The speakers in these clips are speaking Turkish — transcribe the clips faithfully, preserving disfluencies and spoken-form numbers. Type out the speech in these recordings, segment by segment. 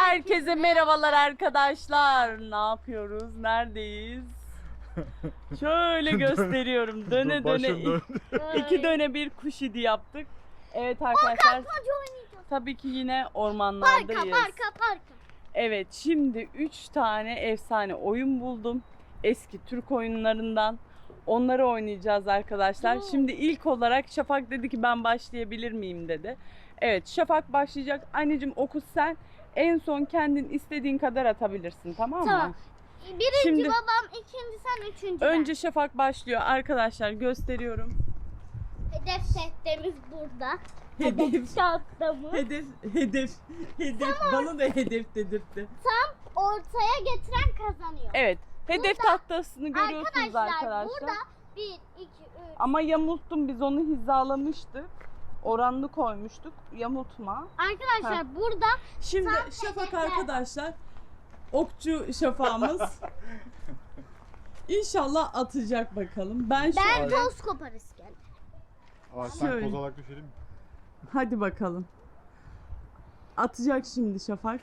Herkese merhabalar arkadaşlar. Ne yapıyoruz? Neredeyiz? Şöyle gösteriyorum. Döne döne iki döne bir kuş idi yaptık. Evet arkadaşlar. Tabii ki yine ormanlardayız. Parka parka parka. Evet, şimdi üç tane efsane oyun buldum. Eski Türk oyunlarından. Onları oynayacağız arkadaşlar. Oo. Şimdi ilk olarak Şafak dedi ki ben başlayabilir miyim dedi. Evet, Şafak başlayacak. Anneciğim oku sen. En son kendin istediğin kadar atabilirsin, tamam mı? Tamam. Birinci Şimdi- babam, ikinci sen, üçüncü Önce Şafak başlıyor arkadaşlar, gösteriyorum. ben. Hedef setlerimiz burada. Hedef. Hedef tahtamız. Hedef, hedef, hedef. Bana da hedef dedirtti. Tam ortaya getiren kazanıyor. Evet, hedef Burada- tahtasını görüyorsunuz Arkadaşlar, arkadaşlar. burada bir, iki, üç. Ama yamulttum, biz onu hizalamıştık. Oranlı koymuştuk. Yamultma. Arkadaşlar Ha. burada Şimdi Tam Şafak hedefler. arkadaşlar, okçu Şafağımız İnşallah atacak bakalım. Ben ben şöyle. toz koparız geldi. Ağaçtan Şöyle. kozalak düşelim mi? Hadi bakalım. Atacak şimdi Şafak.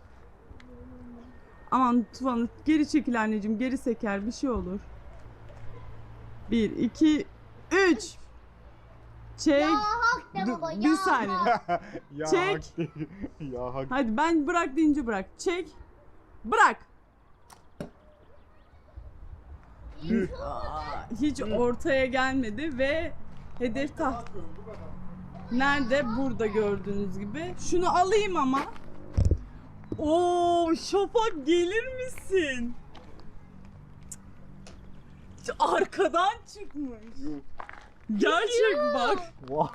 Aman Tuvan'ı geri çekil anneciğim, geri seker bir şey olur. Bir, iki, üç. Çek. Ya hak de Dur, baba ya. bir saniye. ya Çek. hak değil. ya hak. Hadi ben bırak deyince bırak. Çek. Bırak. Tüh. Aa, hiç ortaya gelmedi ve hedef taht. Nerede? Burada gördüğünüz gibi. Şunu alayım ama. Oo, Şafak gelir misin? Cık, arkadan çıkmış. Yuh. Gerçek bak. Vah.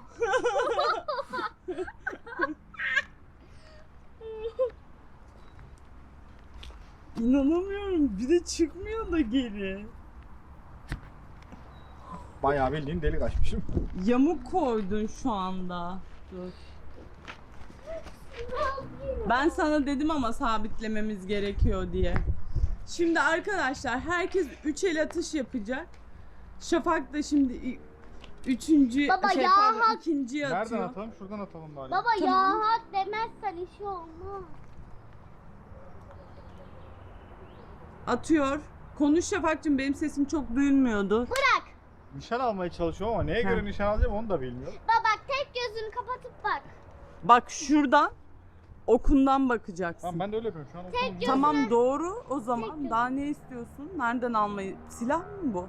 İnanamıyorum. Bir de çıkmıyor da geri. Bayağı bildiğin delik açmışım. Yamuk koydun şu anda. Dur. Ben sana dedim ama sabitlememiz gerekiyor diye. Şimdi arkadaşlar herkes üç el atış yapacak. Şafak da şimdi i- üçüncü Baba şey ya pardon, hak- ikinciyi atıyor. Nereden atalım? Şuradan atalım bari. Baba Tamam. ya hak demezsen işi olmaz. Atıyor. Konuş Şafak'cığım, benim sesim çok duyulmuyordu. Bırak. Nişan almaya çalışıyorum ama neye Ha. göre nişan alacağım onu da bilmiyorum. Baba bak tek gözünü kapatıp bak. Bak şuradan okundan bakacaksın. Tamam ben de öyle yapıyorum şu an. Tek okulum. göz- Tamam doğru o Tek zaman. gözüne. Daha ne istiyorsun? Nereden almayı? Silah mı bu?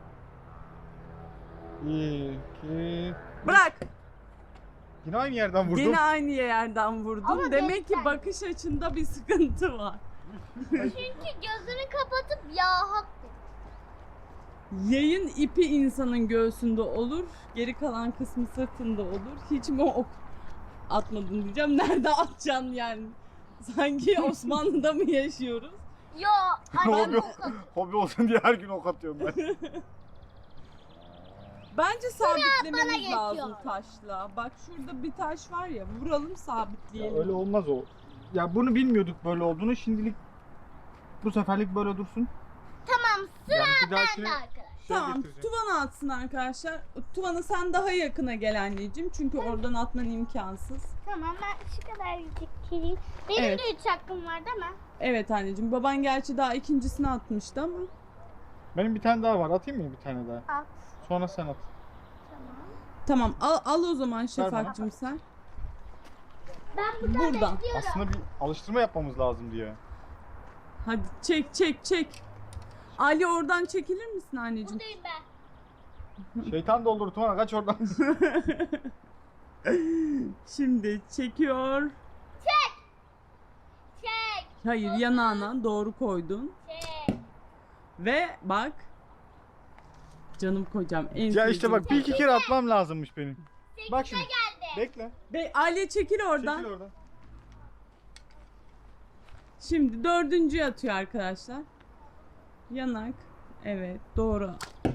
İki. Bırak. Yine aynı yerden vurdum. Yine aynı yerden vurdun. Ama Demek ki göster. bakış açında bir sıkıntı var. Çünkü gözünü kapatıp ya hak de. Yayın ipi insanın göğsünde olur. Geri kalan kısmı sırtında olur. Hiç mi ok atmadın diyeceğim. Nerede atacaksın yani? Sanki Osmanlı'da mı yaşıyoruz? Yo annem hobi, ok atıyor. hobi olsun diye her gün ok atıyorum ben. Bence bana sabitlememiz geçiyor. lazım taşla. Bak şurada bir taş var ya. Vuralım Ya sabitleyelim. öyle olmaz o. Ya bunu bilmiyorduk böyle olduğunu. Şimdilik bu seferlik böyle dursun. Tamam sıra Yani bir dahakine bende arkadaş. şey Tamam, getireceğim. Tuvan'a atsın arkadaşlar. Tuvan'a sen daha yakına gel anneciğim. Çünkü oradan atman imkansız. Tamam ben şu kadar çekeyim. Benim Evet. de üç hakkım var değil mi? Evet anneciğim. Baban gerçi daha ikincisini atmıştı ama. Benim bir tane daha var. Atayım mı bir tane daha? At. Sonra sen at. Tamam. Tamam al, al o zaman bana. Şafak'cığım sen. Ben burada Buradan. bekliyorum. Aslında bir alıştırma yapmamız lazım diye. Hadi çek çek çek. Ali oradan çekilir misin anneciğim? Buradayım ben. Şeytan doldur Tuana kaç oradan. Şimdi çekiyor. Çek. Hayır, yanağına doğru koydun. Çek. Ve bak. Canım kocam en ya işte sevdiğim- bak bir iki kere atmam lazımmış benim. Bak şimdi. Geldi. Bekle. Be Ali çekil oradan. Çekil oradan. Şimdi dördüncüyü atıyor arkadaşlar. Yanak. Evet doğru.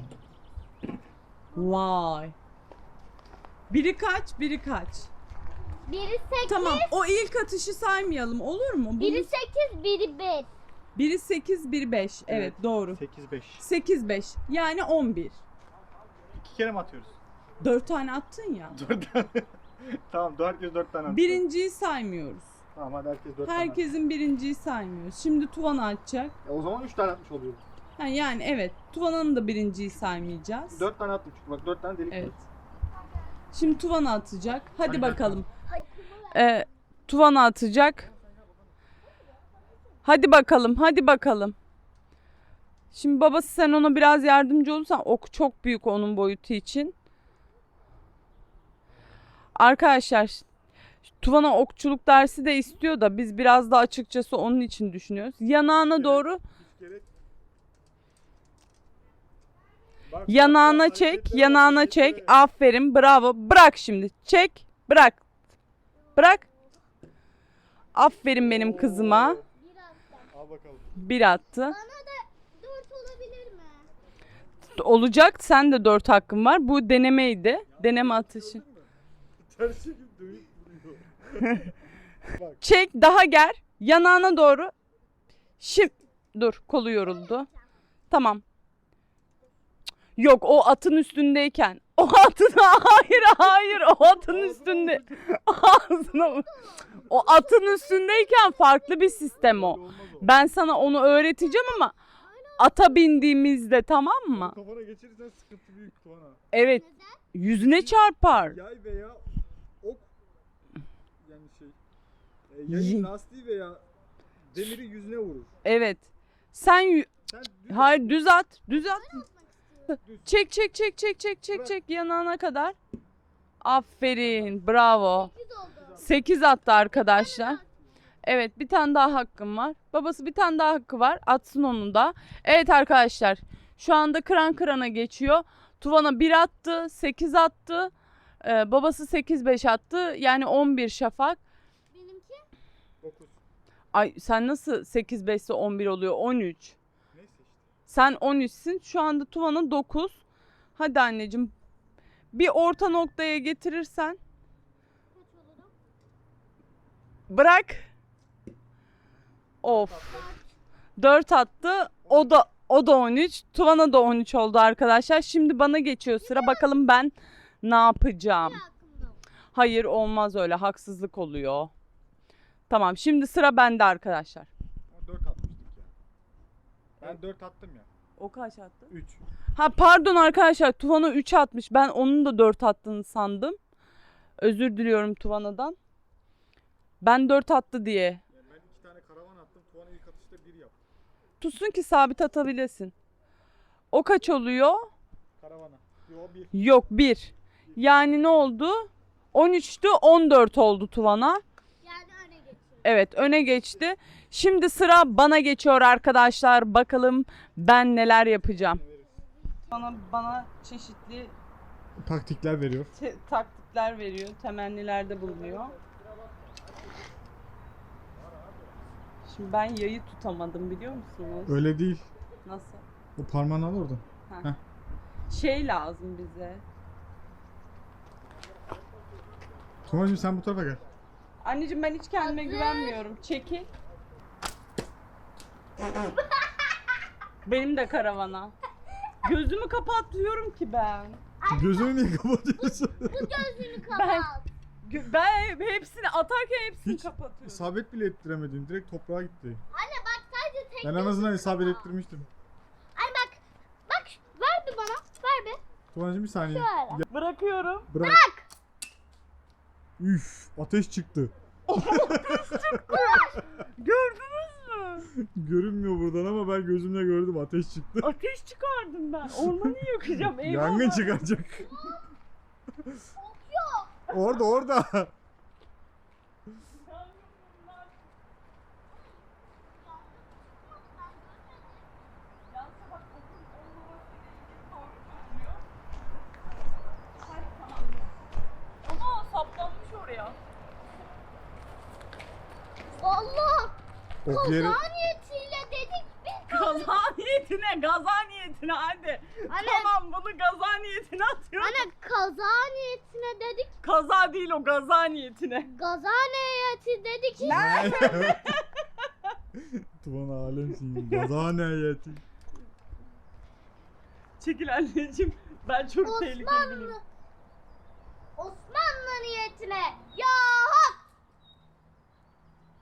Vay. Biri kaç, biri kaç. Biri sekiz. Tamam, o ilk atışı saymayalım, olur mu? Bunu- Biri sekiz, biri beş. Biri sekiz, biri beş. Evet, Evet. doğru. sekiz beş. sekiz beş. Yani on bir. İki kere mi atıyoruz? dört tane attın ya. Dört tane. Tamam herkes dört tane atıyor. Birinciyi saymıyoruz. Tamam hadi herkes dört tane. Herkesin birinciyi saymıyoruz. Şimdi Tuvana atacak. E, o zaman üç tane atmış oluyor. Ha, yani evet. Tuvana'nın da birinciyi saymayacağız. dört tane attım çünkü bak dört tane delik Evet. var. Şimdi Tuvana atacak. Hadi Hadi bakalım. Hadi. Ee, Tuvana atacak. Hadi bakalım. Hadi bakalım. Şimdi babası sen ona biraz yardımcı olursan, ok çok büyük onun boyutu için. Arkadaşlar Tuvana okçuluk dersi de istiyor da biz biraz da açıkçası onun için düşünüyoruz. Yanağına doğru Gerek. Bak, yanağına bak, bak, çek, hareketlere yanağına bak, çek. hareketlere. Aferin, bravo. Bırak şimdi. Çek, bırak. Bırak. Aferin benim kızıma. Oo. Biraz da. Al bakalım. Bir attı. Bana da dört olabilir mi? Olacak. Sen de dört hakkın var. Bu denemeydi. Deneme atışı. Ters çekip dövüp vuruyor. Bak. Çek, daha ger. Yanağına doğru. Şimdi dur, kolu yoruldu. Tamam. Yok, o atın üstündeyken. O atın hayır hayır o atın üstünde. Ağzına o atın üstündeyken farklı bir sistem o. Olmaz o. Ben sana onu öğreteceğim ama ata bindiğimizde, tamam mı? Kafana geçirirsen sıkıntı büyük Tuana. Evet. Yüzüne çarpar. Yay veya ok yani şey e, yayın Yi- lastiği veya demiri yüzüne vurur. Evet. Sen yü- Sen düz hayır düz at. Düz at. Düz. Çek çek çek çek çek çek Bırak. çek yanağına kadar. Aferin. Bravo. Sekiz oldu. sekiz attı arkadaşlar. Evet, bir tane daha hakkım var. Babası bir tane daha hakkı var. Atsın onu da. Evet arkadaşlar. Şu anda kıran kırana geçiyor. Tuvana bir attı. sekiz attı. Ee, babası sekiz beş attı. Yani on bir Şafak. Benimki dokuz. Ay sen nasıl sekiz beş ise on bir oluyor? on üç. Neyse işte. Sen on üçsün. Şu anda Tuvana dokuz. Hadi anneciğim. Bir orta noktaya getirirsen. kaç olurum? Bırak. Of. dört attı. O da o da on üç. Tuvana da on üç oldu arkadaşlar. Şimdi bana geçiyor sıra. Bakalım ben ne yapacağım. Bir hakkımda oldu. Hayır, olmaz öyle. Haksızlık oluyor. Tamam, şimdi sıra bende arkadaşlar. Ama dört atmıştık ya. Ben dört attım ya. O kaç attı? üç. Ha pardon arkadaşlar. Tuvana üç atmış. Ben onun da dört attığını sandım. Özür diliyorum Tuvana'dan. Ben dört attı diye. Yani ben iki tane karavan attım. Tuana ilk atışta bir yaptı. Tutsun ki sabit atabilesin. O kaç oluyor? Karavana. Yo bir. Yok, bir. Yani ne oldu? on üçtü, on dört oldu Tuvana. Yani öne geçiyorum. Evet, öne geçti. Şimdi sıra bana geçiyor arkadaşlar. Bakalım ben neler yapacağım. Bana bana çeşitli Taktikler veriyor. te- taktikler veriyor, temennilerde bulunuyor. Şimdi ben yayı tutamadım, biliyor musunuz? Öyle değil. Nasıl? O parmağını al oradan. Şey lazım bize. Tuana'cığım sen bu tarafa gel. Anneciğim ben hiç kendime Hazır. güvenmiyorum. Çekil. Benim de karavana. Gözümü kapatıyorum ki ben. Gözünü niye kapatıyorsun? Gözünü kapat. Ben- Gö- Ben hepsini atarken hepsini Hiç kapatıyorum. isabet bile ettiremedin. Direkt toprağa gitti. Anne bak sadece tek Ben en azından isabet ettirmiştim. Anne bak. Bak ver bir bana. Ver bir. Tuana'cığım bir saniye. Şöyle. Ya, Bırakıyorum. bırak. Üf, ateş çıktı. Gördünüz mü? Görünmüyor buradan ama ben gözümle gördüm, ateş çıktı. Ateş çıkardım ben. Ormanı yakacağım. Eyvallah. Yangın çıkacak. Orada orada. Ama saplanmış oraya. Valla. Ok yeri. Kaza niyetiyle dedik biz. Gaza niyetine, gaza niyetine hadi. Anne. Tamam, bunu gaza niyetine atıyorum. Anne kaza niyetine dedik. Kaza değil o, gaza niyetine. Gaza niyeti dedik. Tuana alemsin. Gazane heyeti. Çekil anneciğim. Ben çok tehlikeli Osmanlı. biriyim. Osmanlı niyetine. Ya hak.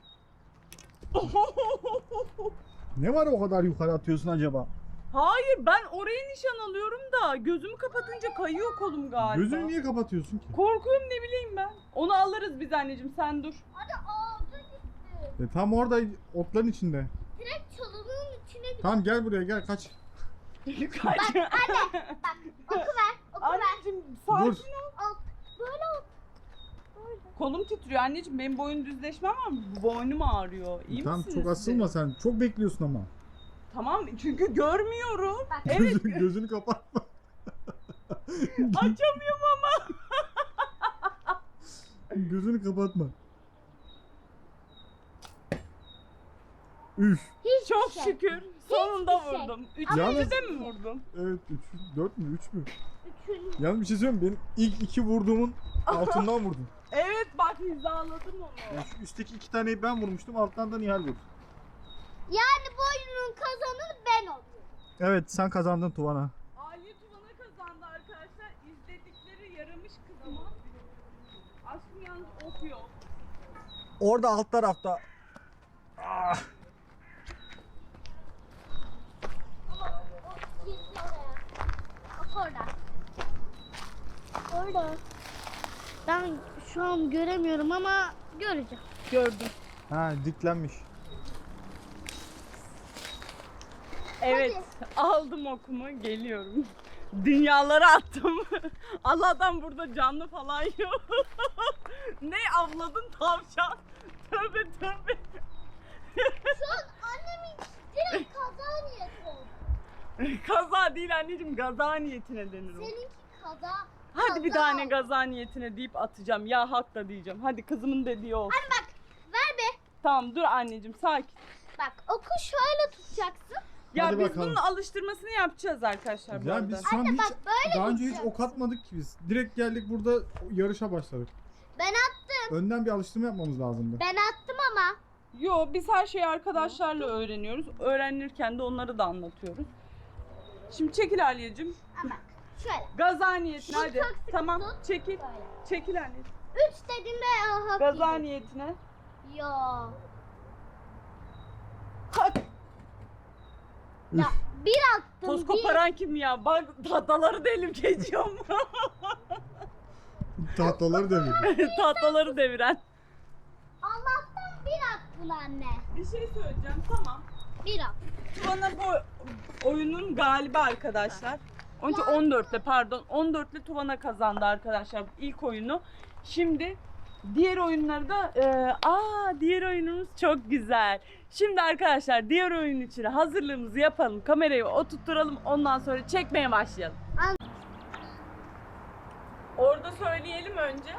Ne var o kadar yukarı atıyorsun acaba? Hayır ben oraya nişan alıyorum da gözümü kapatınca kayıyor kolum galiba. Gözünü niye kapatıyorsun ki? Korkuyorum ne bileyim ben. Onu alırız biz anneciğim sen dur. Hadi ağzı gitti. E, tam orada otların içinde. Direkt çalının içine gitti. Tamam gel buraya gel kaç. Kaç. Bak oku ver. Oku ver. Anneciğim sakin Dur. ol. Al. Böyle al. Böyle. Kolum titriyor anneciğim benim boyun düzleşmem ama boynum ağrıyor. İyi Tamam misiniz çok siz? asılma sen. Çok bekliyorsun ama. Tamam çünkü görmüyorum. Bak. Evet Gözünü, gözünü kapatma. açamıyorum ama. Gözünü kapatma. Üf. Hiçbir Çok şey. şükür sonunda Hiçbir şey. vurdum. Yalnız- Üçüncüde mi vurdum? Evet üç, dört mü üç mü? Üçüncü. Yalnız bir şey söyleyeyim mi? Benim ilk iki vurduğumun altından vurdum. Evet bak hizaladım onu. Yani şu üstteki iki taneyi ben vurmuştum, alttan da Nihal vurdu. Yani bu oyunun kazananı ben oldum. Evet sen kazandın Tuvana. Ali Tuvan'a kazandı arkadaşlar. İzledikleri yaramış kızıma. Aşkım yalnız okuyor. Orada alt tarafta. Ah. Ama o girdi oraya. Bak orada. Orada. Ben şu an göremiyorum ama göreceğim. Gördüm. Ha diklenmiş. Evet aldım okumu geliyorum. Dünyalara attım. Allah'tan burada canlı falan yok. Ne avladın tavşan? Tövbe tövbe. Şu an annemin direkt kaza niyeti oldu. Kaza değil anneciğim gaza niyetine denir o. Seninki kaza. Hadi bir kaza tane oldu. gaza niyetine deyip atacağım. Ya hak da diyeceğim. Hadi kızımın dediği olsun. Anne bak ver be. Tamam dur anneciğim sakin. Bak oku şöyle tutacaksın. Ya Hadi biz bakalım. bunun alıştırmasını yapacağız arkadaşlar bu Ya arada. biz şu an Anne hiç bak böyle daha önce hiç gideceksin. ok atmadık ki biz. Direkt geldik burada yarışa başladık. Ben attım. Önden bir alıştırma yapmamız lazımdı. Ben attım ama. Yo biz her şeyi arkadaşlarla öğreniyoruz. Öğrenirken de onları da anlatıyoruz. Şimdi çekil Aliyeciğim. Ama bak şöyle. Gaza niyetine Bunu hadi. çok sıkı Tamam tut. çekil. Böyle. Çekil anneciğim. Üç dediğimde hak Gaza yiyeceksin. niyetine. Yo. Hadi. Ya bir attım. Toz bir. koparan kim ya? Bak tahtaları delip geçiyorum. Tahtaları devirdim. tahtaları deviren. Allah'tan bir attın anne. Bir şey söyleyeceğim tamam. Bir at. Bana bu oyunun galibi arkadaşlar. Önce on dörtle pardon on dörtle Tuvana kazandı arkadaşlar ilk oyunu. Şimdi diğer oyunları da e, aa diğer oyunumuz çok güzel. Şimdi arkadaşlar diğer oyun için hazırlığımızı yapalım. Kamerayı oturtturalım ondan sonra çekmeye başlayalım. An- Orada söyleyelim önce.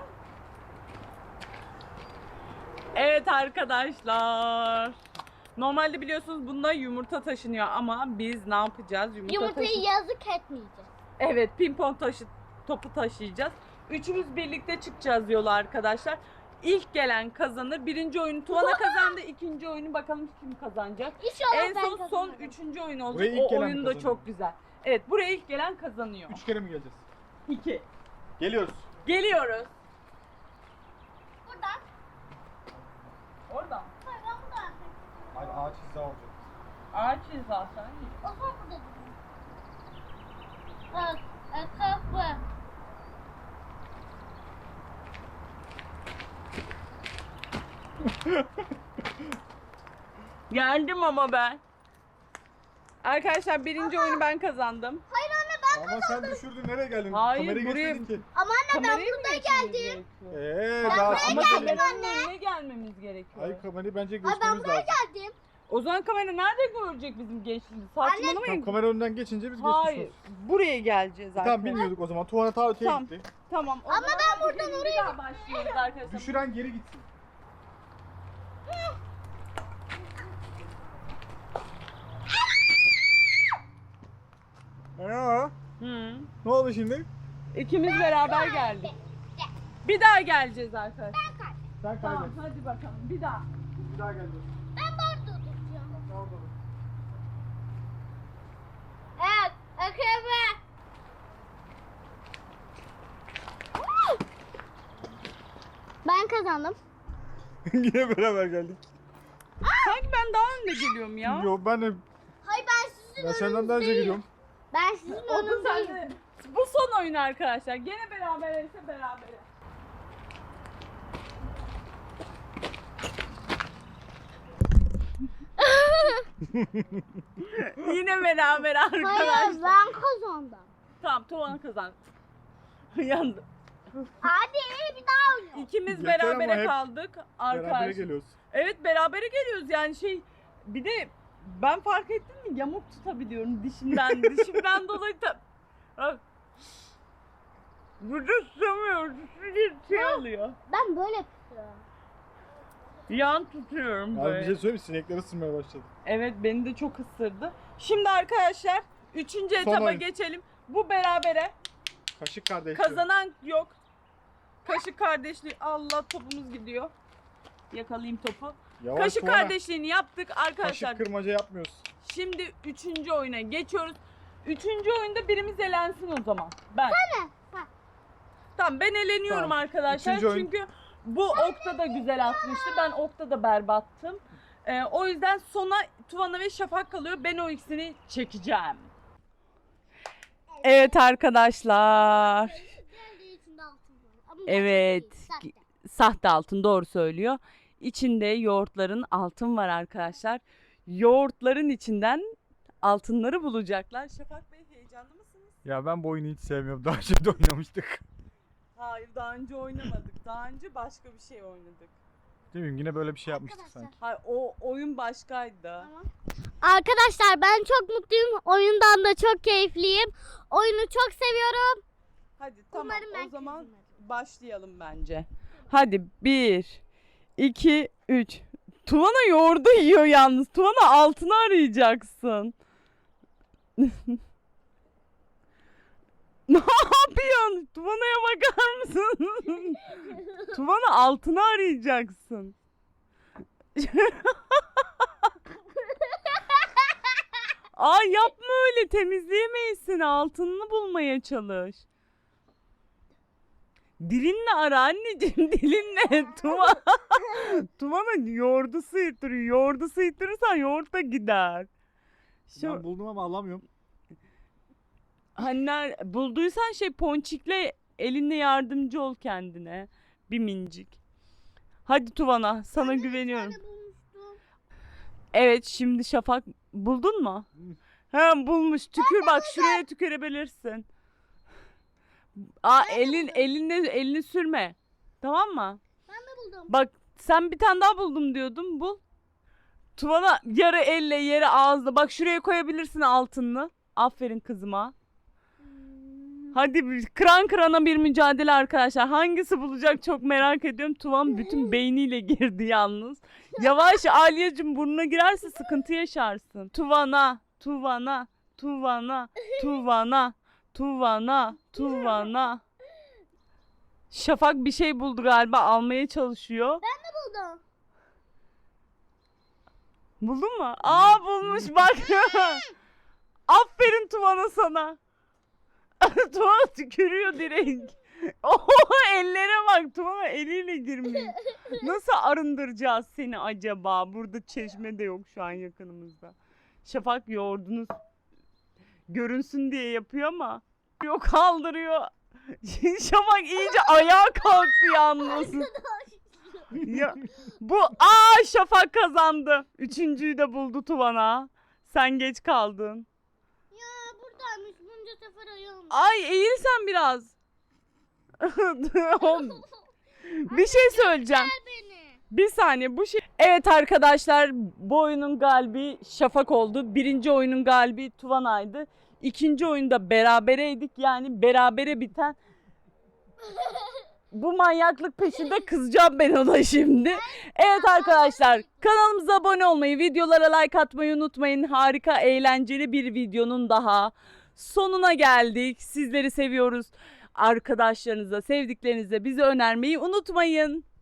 Evet arkadaşlar. Normalde biliyorsunuz bunda yumurta taşınıyor ama biz ne yapacağız? Yumurta Yumurtayı taşı- yazık etmeyeceğiz. Evet, pimpon taşı topu taşıyacağız. Üçümüz birlikte çıkacağız yola arkadaşlar. İlk gelen kazanır. Birinci oyunu Tuvana kazandı. İkinci oyunu bakalım kim kazanacak. İnşallah En ben son son kazanırım. üçüncü oyun olacak. Buraya ilk O gelen oyun da kazanıyor. çok güzel. Evet, buraya ilk gelen kazanıyor. Üç kere mi geleceğiz? İki. Geliyoruz. Geliyoruz. Buradan. Oradan. Hayır ben buradan. Hayır ağaç hiza olacak. Ağaç zaten. O zaman burada durayım. Bak. Kapı. Geldim ama ben. Arkadaşlar birinci oyunu ben kazandım. Hayır anne ben Ama sen düşürdün nereye geldin? Hayır, Kamerayı buraya- geçmedin ki. Ama anne ben Kamerayı mı burada geçmemiz geldim. gerekiyor? Eee Ben daha buraya şimdi Ama geldim kameranın anne. önüne gelmemiz gerekiyor. Hayır kamerayı bence Ay ben geçmemiz buraya lazım. geldim. O zaman kamera nerede görecek bizim gençliğimizi? Saçmalamayın. Tamam, kamera önünden geçince biz geçmiş Hayır. oluruz. Buraya geleceğiz Tamam arkadaşlar. bilmiyorduk o zaman. Tuvalet ta öteye Tamam. gitti. Tamam. o Ama zaman ben buradan bir oraya daha başlıyoruz arkadaşlar. Düşüren geri gitsin. Aa, Hı. ne oldu şimdi? İkimiz beraber geldik. Bir daha geleceğiz arkadaşlar. Sen Tamam kaybet. hadi bakalım bir daha. Bir daha geleceğiz. Ben burada duracağım. Orada dur. Evet. Akıbı. Ben kazandım. Yine beraber geldik. Sanki senden daha önde geliyorum ya. Yo ben de Hayır ben sizin ben senden daha önce önünüzdeyim. geliyorum. Ben sizin O da önünüzdeyim. sende. Bu son oyun arkadaşlar. Gene beraber ise beraber. Yine beraber arkadaşlar. Hayır ben kazandım. Tamam, Tuvan kazandı. Yandı. Hadi bir daha oynayalım. İkimiz Yeter ama berabere hep kaldık Berabere arkadaşlar. geliyoruz. Evet, berabere geliyoruz yani şey. Bir de ben fark ettim mi, yamuk tutabiliyorum dişimden. Dişimden dolayı da Bak. Burada tutamıyoruz. Bir şey oluyor. Ben böyle tutuyorum. Yan tutuyorum Abi böyle. bir şey söyleyeyim, sinekler ısırmaya başladı. Evet, beni de çok ısırdı. Şimdi arkadaşlar üçüncü Son etaba oyun. geçelim. Bu berabere. Kaşık kardeş. Kazanan yok. Kaşık kardeşliği. Allah, topumuz gidiyor. Yakalayayım topu. Yavaş Kaşık Tuana. kardeşliğini yaptık arkadaşlar. Kaşık kırmaca yapmıyoruz. Şimdi üçüncü oyuna geçiyoruz. Üçüncü oyunda birimiz elensin o zaman. Ben. Sen mi? Ha. Tamam, ben eleniyorum Tamam. arkadaşlar. Üçüncü oyun. Çünkü bu okta da güzel atmıştı. Ben okta da berbattım. Ee, o yüzden sona Tuvana ve Şafak kalıyor. Ben o ikisini çekeceğim. Evet arkadaşlar. Geldiği içinde altın var. Ama Evet. gerçek değil, Sahte altın, doğru söylüyor. İçinde yoğurtların altın var arkadaşlar. Yoğurtların içinden altınları bulacaklar. Şafak Bey, heyecanlı mısınız? Ya ben bu oyunu hiç sevmiyorum. Daha önce de oynamıştık. Hayır, daha önce oynamadık. Daha önce başka bir şey oynadık. Değil mi? Yine böyle bir şey yapmıştık Arkadaşlar. sanki. Hayır, o oyun başkaydı. Tamam. Arkadaşlar ben çok mutluyum. Oyundan da çok keyifliyim. Oyunu çok seviyorum. Hadi tamam, Umarım ben o zaman kazanırım. başlayalım bence. Hadi bir, iki, üç. Tuvana yoğurdu yiyor yalnız. Tuvana altını arayacaksın. Ne yapıyorsun? Tuvana'ya bakar mısın? Tuvana altını arayacaksın. Aa, yapma öyle, temizleyemeyisin. Altınını bulmaya çalış. Dilinle ara anneciğim, dilinle. Tuva. Tuvana yoğurdu sıyırtırıyor. Yoğurdu sıyırtırırsan yoğurt da gider. Şu, Ben buldum ama alamıyorum. hani ner- bulduysan şey, ponçikle elinle yardımcı ol kendine. Bir mincik. Hadi Tuvana, sana Ben de bir güveniyorum. tane bulmuştum. Evet, şimdi Şafak buldun mu? Ha, bulmuş. Tükür bak, şuraya tükürebilirsin. Aa, elin eline elini sürme. Tamam mı? Ben de buldum. Bak, sen bir tane daha buldum diyordun, bul. Tuvana yarı elle yarı ağızla. Bak, şuraya koyabilirsin altınını. Aferin kızıma. Hmm. Hadi bir kıran kırana bir mücadele arkadaşlar. Hangisi bulacak çok merak ediyorum. Tuvan bütün beyniyle girdi yalnız. Yavaş Alyacığım, burnuna girerse sıkıntı yaşarsın. Tuvana, Tuvana, Tuvana, Tuvana, Tuvana, Tuvana. Şafak bir şey buldu galiba, almaya çalışıyor. Buldum. Buldun mu? Aa, bulmuş bak. Aferin Tuvana sana. Tuvana tükürüyor direkt. Oho, ellere bak, Tuvana eliyle girmiş. Nasıl arındıracağız seni acaba? Burada çeşme de yok şu an yakınımızda. Şafak yoğurdunuz görünsün diye yapıyor ama yok, kaldırıyor. Şafak iyice ayağa kalktı yalnız. Ya, bu aa Şafak kazandı. Üçüncüyü de buldu Tuvana. Sen geç kaldın. Ya buradaymış. Bunca sefer ayağım. Ay, eğil sen biraz. Bir şey söyleyeceğim. Beni. Bir saniye, bu şey. Evet arkadaşlar, bu oyunun galibi Şafak oldu. Birinci oyunun galibi Tuvana'ydı. İkinci oyunda berabereydik. Yani berabere biten. Bu manyaklık peşinde kızacağım ben ona şimdi. Evet arkadaşlar, kanalımıza abone olmayı, videolara like atmayı unutmayın. Harika, eğlenceli bir videonun daha sonuna geldik. Sizleri seviyoruz. Arkadaşlarınıza, sevdiklerinize bizi önermeyi unutmayın.